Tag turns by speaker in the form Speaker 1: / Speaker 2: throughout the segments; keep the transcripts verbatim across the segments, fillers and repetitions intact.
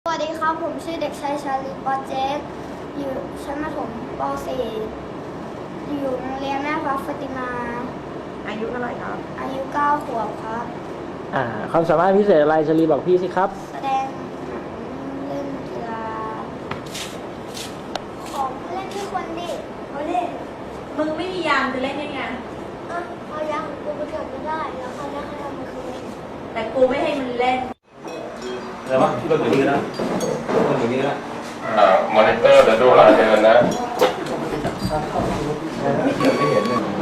Speaker 1: วัสดีครับผมชื่อเด็กชายชาลีปอเจสอยู่ชั้นประถมป .สี่ อยู่โรงเรียนแม่ฟ้าฟาติมา
Speaker 2: อายุเท่าไหร่ครับ
Speaker 1: อายุเก้าขวบครับ
Speaker 3: อ่าความสามารถพิเศษอะไรชลีบอกพี่สิครับ
Speaker 1: แสดงหนังเล่นกีฬาของเล่นที่คนดิเขาเล่น
Speaker 2: มึงไม่มียามจะเล่นยังไง
Speaker 1: อ่ะเขายักกูไปเกิดไม่ได้แล้วเขายักให้ทำมันคือ
Speaker 2: แต่กูไม่ให้มันเล่น
Speaker 4: อะไรวะที่ต้นอย่างนี้นะต้นอย่างนี้นะ
Speaker 5: อ่ามอนิเตอร์เดี๋ยวดูรายเดือนนะ
Speaker 4: ไม่เห็นไม่เห็นเลย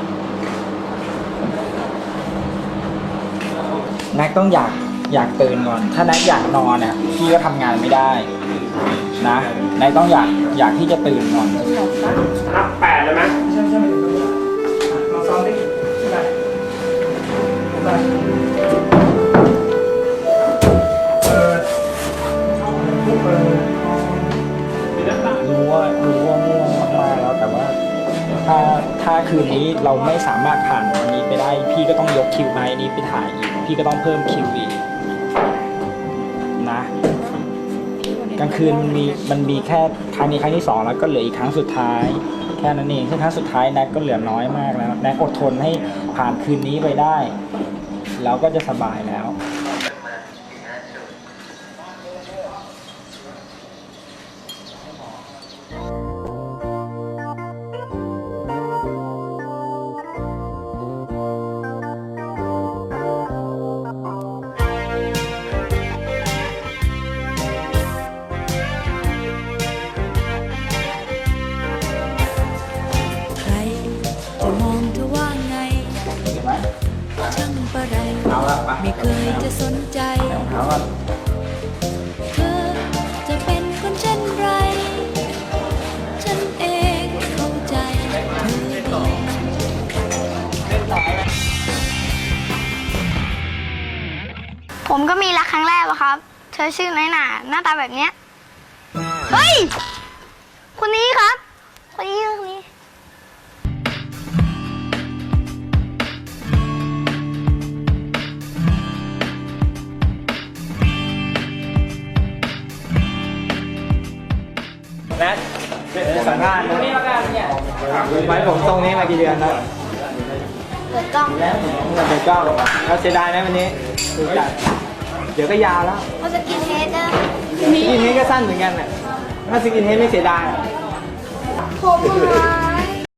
Speaker 3: แน็กต้องอยากอยากตื่นก่อนถ้าแน็กอยากนอนเนี่ยพี่ก็ทำงานไม่ได้นะแน็กต้องอยากอยากที่จะตื่นก่อน
Speaker 4: นับแปดเลยไหมใช่ใช่ลองซ้อมดิไปไป
Speaker 3: รู้ว่ารู้ว่าง่วงมากๆแล้วแต่ว่าถ้าถ้าคืนนี้เราไม่สามารถผ่านวันนี้ไปได้พี่ก็ต้องยกคิวไนท์นี้ไปถ่ายอีกพี่ก็ต้องเพิ่มคิวอีกนะกลางคืนมันมีมันมีแค่ครั้งนี้ครั้งที่สองแล้วก็เหลืออีกครั้งสุดท้ายแค่นั้นเองซึ่งครั้งสุดท้ายแน็กก็เหลือน้อยมากแล้วแน็กอดทนให้ผ่านคืนนี้ไปได้แล้วก็จะสบายแล้ว
Speaker 6: ไม่เคยจะสนใจเธอจะเป็นคนเช่นไรฉันเองเข้าใจเธอดี
Speaker 1: ผมก็มีรักครั้งแรกอะครับเธอชื่อน้อยหนาหน้าตาแบบเนี้ยเฮ้ยคนนี้ครับคนนี้คนนี้
Speaker 3: แน็กสัมภาษณ์นี่มากันเนี่ยไว้ผมตรงนี้มากี่เดือนแล้ว
Speaker 1: เปิดกล้อง
Speaker 3: แล้วเปิดกล้องเราเสียดายไหมวันนี้ดูจัดเดี๋ยวก็ยาวแล้ว
Speaker 1: เขาจะกินเฮดนะ
Speaker 3: สกินเฮดก็สั้นเหมือนกันน่ะถ้าสกินเฮดไม่เสียดาย
Speaker 1: ผมมา